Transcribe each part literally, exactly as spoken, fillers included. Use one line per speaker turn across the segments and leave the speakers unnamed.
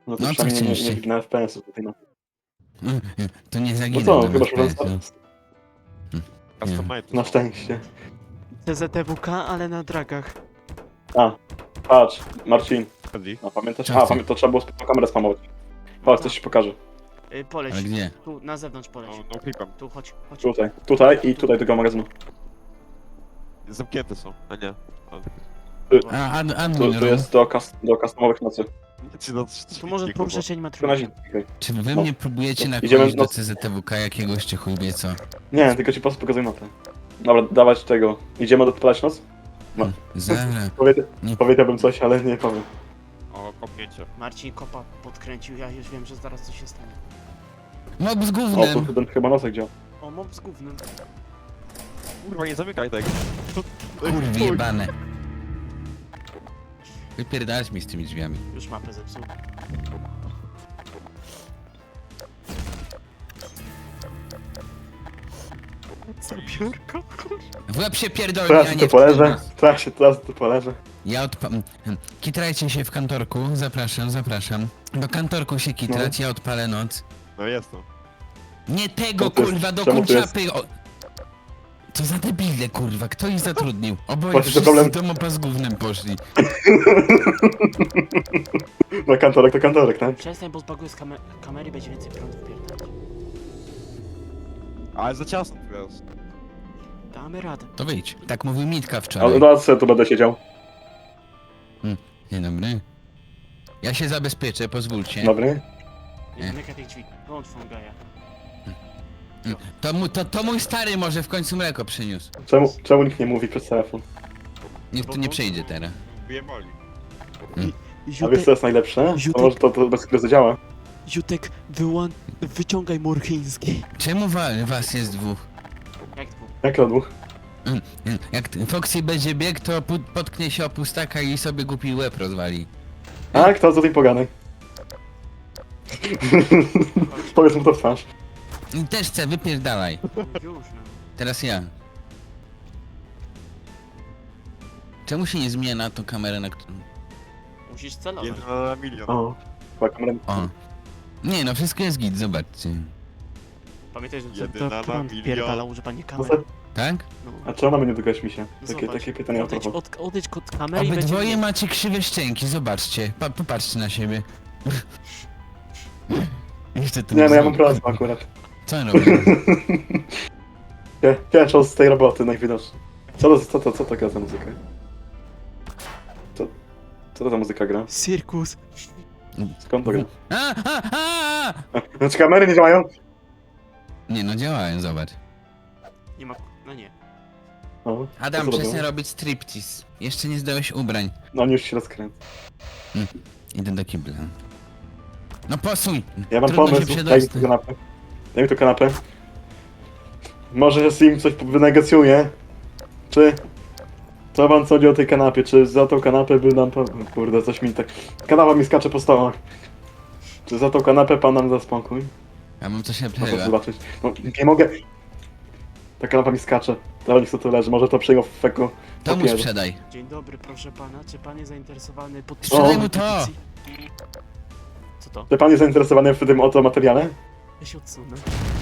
No to
No, co
przynajmniej nie, nie
chcieliście?
wygnę F P S-ów tutaj na...
Mm, mm, To nie
No
zaginę
co,
na
chyba że
F P S,
na,
no.
Customize.
na szczęście.
C Z T W K, ale na dragach.
A, patrz, Marcin.
Chodzi.
A pamiętasz?
Co
A,
ty?
pamię to trzeba było spoko kamerę spamować. Chodź, coś ci pokażę.
Y, poleć.
Ale gdzie?
Tu, na zewnątrz poleć.
No, no klipem.
Tu, chodź, chodź.
Tutaj, tutaj i tutaj tego magazynu.
Zamknięte są, a nie.
A, ad,
Tu,
admin
tu
room.
jest do, kas do customowych nocy.
Czy no,
Tu może poruszać
Tu na
animatronikę.
zimę. Okay.
Czy wy
No.
mnie próbujecie
Idziemy
nakłonić do
no-
C Z T W K jakiegoś czy chuj wie co?
Nie, tylko ci po prostu pokazuję mapę. Dobra, dawać tego. Idziemy odpalać noc? No.
Zaraz.
Powie
Nie.
powiedziałbym coś, ale nie powiem.
O, kopnięcie.
Marcin kopa podkręcił, ja już wiem, że zaraz coś się stanie.
Mob z
O, tu
gównem.
ten chyba nosek działa.
O, mob z gównem.
Kurwa, nie zamykaj tego.
Kurwy jebane. Wypierdalać mi z tymi drzwiami.
Już mapę zepsuł. Zabiórko?
W łeb się pierdolnie,
Teraz
a
tu
nie w
poleżę. Teraz się, teraz tu poleżę.
Ja odpa... mm, Kitrajcie się w kantorku, zapraszam, zapraszam. Do kantorku się kitrać, ja odpalę noc.
No jest to.
Nie tego
No to jest-
kurwa, do
czemu to jest-
kurczapy! O... Co za debile kurwa, kto ich zatrudnił? Oboje
Właśnie to
wszyscy
problem-
do mopa z gównem poszli.
No kantorek to kantorek, tak?
Przestań, bo zbaguję z kamer kamery, będzie więcej prądu wpierdać.
Ale za ciasno tu jest.
Damy radę.
To wyjdź. Tak mówił Mitka
Ale
wczoraj.
no co tu będę siedział?
Dzień dobry. Ja się zabezpieczę, pozwólcie.
Dobry?
Nie.
Nie zamykaj tych drzwi. Wyłącz Fongaja.
To, mu, to, to mój stary może w końcu mleko przyniósł.
Czemu, czemu nikt nie mówi przez telefon?
Niech tu nie przejdzie teraz.
Bije boli.
A wiesz
Jutek,
co jest najlepsze? To
Ziutek-
może to, to bez chwili zadziała.
Jutek, wyłą... wyciągaj murchiński.
Czemu wa was jest dwóch?
Jak dwóch?
Jak to dwóch?
Mm, mm, Jak t- Foxy będzie biegł, to pu- potknie się o pustaka i sobie głupi łeb rozwali.
A, kto co tej poganej? Powiedz mu to w twarz.
I też chcę, wypierdalaj.
Już, no.
Teraz ja. Czemu się nie zmienia na tą kamerę, na którą...
Musisz celować.
Jeden na milion.
O, chyba kamerę.
O. Nie no, wszystko jest git, zobaczcie.
Pamiętaj, że
Jedyna
to
na
prąd
milion.
wpierdala używanie
No
kamery.
co?
Tak?
No.
A czemu mamy nie dotykać mi się?
No
Takie,
zobacz,
takie pytania o
odejdź,
propos.
od, odejdź od kamery i
Obydwoje
będzie...
macie krzywe szczęki, zobaczcie. Pa popatrzcie na siebie. Jeszcze tu
Nie, no ja
znowu-
mam prośbę akurat.
Co on robi?
Cie- Ciężko z tej roboty najwidoczniej. Co to, co to, co to gra za muzyka? Co, co to za muzyka gra?
Cirkus.
Skąd to gra?
A, a, a!
A, Znaczy kamery nie działają?
Nie no, działałem, zobacz.
Nie ma... no nie.
O,
Adam,
co to
przestań
było?
robić striptease. Jeszcze nie zdałeś ubrań.
No oni już się rozkręcą.
Idę do kibla. No posuń!
Ja mam
Trudno się
pomysł, daj mi tu
przedostać.
kanapę. Daj mi tu kanapę. Może się im coś wynegocjuje? Czy... Co wam sądzi o tej kanapie? Czy za tą kanapę by nam... po- Kurde, coś mi tak... Kanapa mi skacze po stołach. Czy za tą kanapę pan nam da spokój?
Ja mam coś
No to
lepszego.
zobaczyć. No, nie mogę... Ta kanapa mi skacze. Dla nich co tu leży, może to przyjął w feku.
To mu
papieru.
sprzedaj.
Dzień dobry, proszę pana. Czy pan jest zainteresowany pod...
Sprzedaj mu to!
Co to?
Czy pan jest zainteresowany w tym oto materiale?
Ja się odsunę.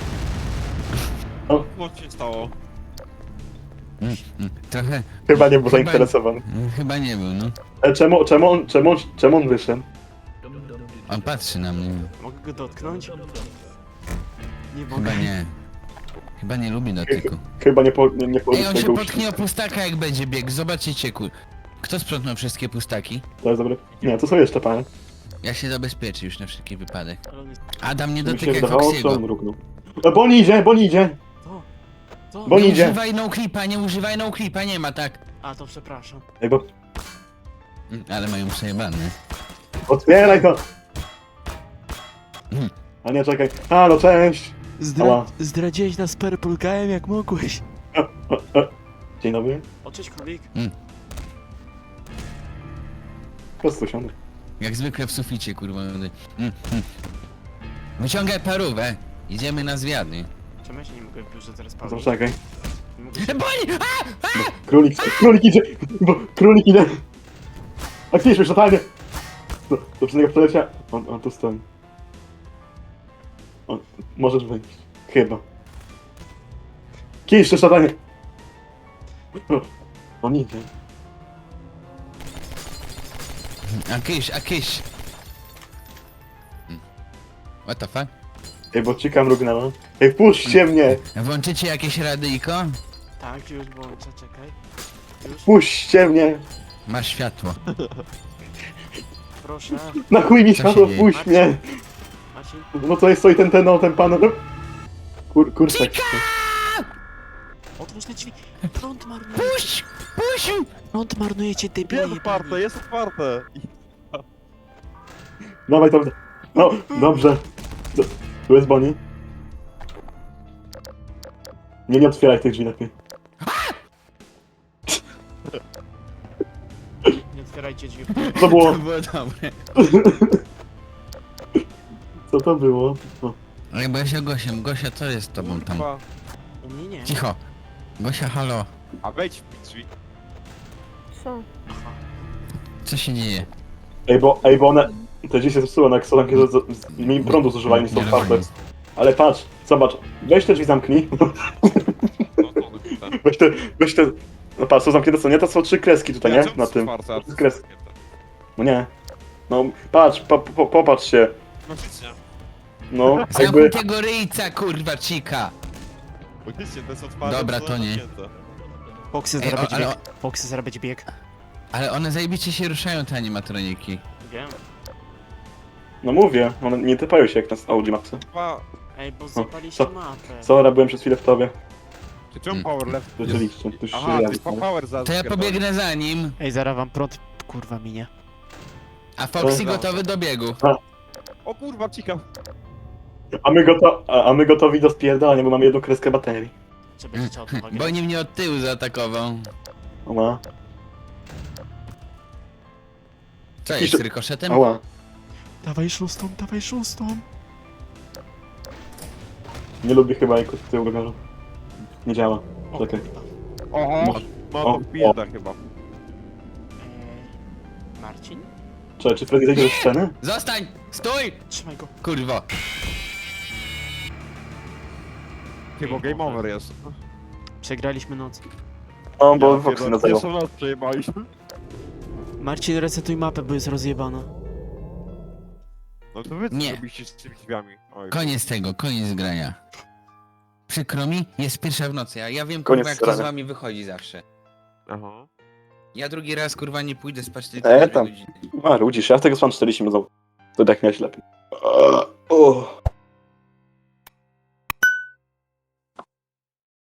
Co się stało?
Mm, mm, Trochę...
Chyba nie był
Chyba-
zainteresowany.
mm, Chyba nie był, no.
E, czemu, czemu, on, czemu, on- czemu on wyszedł?
On patrzy na mnie.
Mogę go dotknąć? Nie mogę.
Chyba nie. Chyba nie lubi dotyku.
Chyba nie po, nie, nie
Ej,
położył
on się
tego
potknie o pustaka jak będzie biegł. Zobaczycie, kur... Kto sprzątnął wszystkie pustaki?
To jest dobre. Nie, to są jeszcze panie.
Ja się zabezpieczę już na wszelki wypadek.
Ale on jest...
Adam, nie
Mi się
dotykaj
wydawało, że on
Foxiego.
mrugnął. E, bo on idzie, bo on idzie!
To! To!
Bo-
Nie
on idzie.
używaj no clipa, nie używaj no clipa, nie ma tak.
A, to przepraszam.
Ej, bo...
Mm, Ale mają przejebane.
Otwieraj to!
Mm.
A nie, czekaj. Halo, cześć!
Zdra...
Ała.
Zdradziłeś nas perpulgałem jak mogłeś.
E, e, e. Dzień dobry.
O, cześć królik.
Po prostu siądę.
Jak zwykle w suficie, kurwa. Mm, mm. Wyciągaj parówę. Idziemy na zwiady.
Czemu ja się nie mogę w biurze teraz
To
bawić?
czekaj.
Nie mogę się...
Boli! A!
Królik, królik idzie! Bo królik idzie! Aktywizm już totalnie! Do, do przedniego przeleciała. On, on tu stoi. On, możesz wejść. Chyba. Kisz, szatanie! O, on idzie.
A kysz, a kysz. What the fuck?
Ej, bo cika mrugnęła. Ej, puśćcie mnie!
Włączycie jakieś radyjko?
Tak, już włączę, czekaj. Już,
Puśćcie mnie!
Masz światło.
proszę.
Na chuj mi
Co
światło,
się dzieje?
puść mnie!
Marcin,
No to jest stoi ten, ten, no, ten pan... Kur, kurczak.
otwórz te drzwi. Prąd marnuje.
Puść! Puść!
Prąd marnujecie, debile
Jest otwarte,
jebani.
jest otwarte!
Dawaj tam. No, dobrze. Do, tu jest Bonnie. Nie, nie otwieraj tych drzwi lepiej.
Nie otwierajcie drzwi.
Co było?
To było dobre.
Co to było? O,
Ale bo ja się Gosiem. Gosia, co jest z tobą tam?
Kurwa.
U mnie nie.
Cicho. Gosia, halo.
A wejdź w drzwi.
Co?
Aha.
Co się dzieje?
ej, bo, ej, bo one... Te drzwi się zepsuły, no jak są takie, że z- z- mniej prądu zużywają niż są
Nie
otwarte.
rozumiem.
Ale patrz, zobacz. Weź te drzwi zamknij.
No to one tutaj.
Weź te, weź te... No patrz, są zamknięte, co nie? To są trzy kreski tutaj, nie?
czemu
Na
są
tym.
otwarte, a to są
Kres-
zamknięte?
No nie. No, patrz, po, po, popatrz się.
Faktycznie.
No, jakby...
Zamknij tego ryjca, kurwa, cika!
Faktycznie, to jest otwarte.
Dobra,
są
to nie.
zamknięte.
Foxy
Ej,
zaraz
o,
będzie
ale,
bieg. Foxy zaraz będzie bieg.
ale one zajebiście się ruszają, te animatroniki.
Wiem.
No mówię, one nie typają się jak na Audi Maxy.
Kurwa,
Ej, bo zapaliście
co?
mapę.
Sorry, byłem przez chwilę w tobie.
czy czemu
Mm.
power left? jest-
Rzeczywiście, tu się
Aha, to
jawi.
jest power za
To ja pobiegnę za nim,
Ej, zaraz wam prąd kurwa minie.
a Foxy
Dobra.
gotowy do biegu.
O kurwa, cika.
A my, goto a, a my gotowi do spierdalania, bo mamy jedną kreskę baterii.
Czy będziecie od nowa
Bo
grać?
nim mnie od tyłu zaatakował.
Ała.
Co
Jakiś-
jest z rykoszetem?
Ała.
Dawaj szóstą, dawaj szóstą.
Nie lubię chyba jak od tyłu roweru. Nie działa.
O,
Czekaj.
kurwa.
Oho,
Może-
no
o,
to bieda chyba.
Eee, Marcin?
Czekaj, czy Freddy zejdzie ze sceny?
Zostań! Stój!
Trzymaj go.
Kurwo.
Chyba game over jest.
Przegraliśmy noc.
No, bo
Ja
Foxy
pierdolę,
nas zajął.
Pierwszą noc przejebaliśmy.
Marcin, resetuj mapę, bo jest rozjebana.
No to wy co
Nie.
zrobiliście z tymi drzwiami? Oj,
Koniec tego, koniec grania. Przykro mi, jest pierwsza w nocy, a ja wiem
Koniec
kurwa jak to z
grania.
wami wychodzi zawsze.
Aha.
Ja drugi raz kurwa nie pójdę spać tylko
E,
dwie
tam.
godziny.
A, rudzisz, ja z tego span czterdzieści minut. To tak miałeś lepiej. O.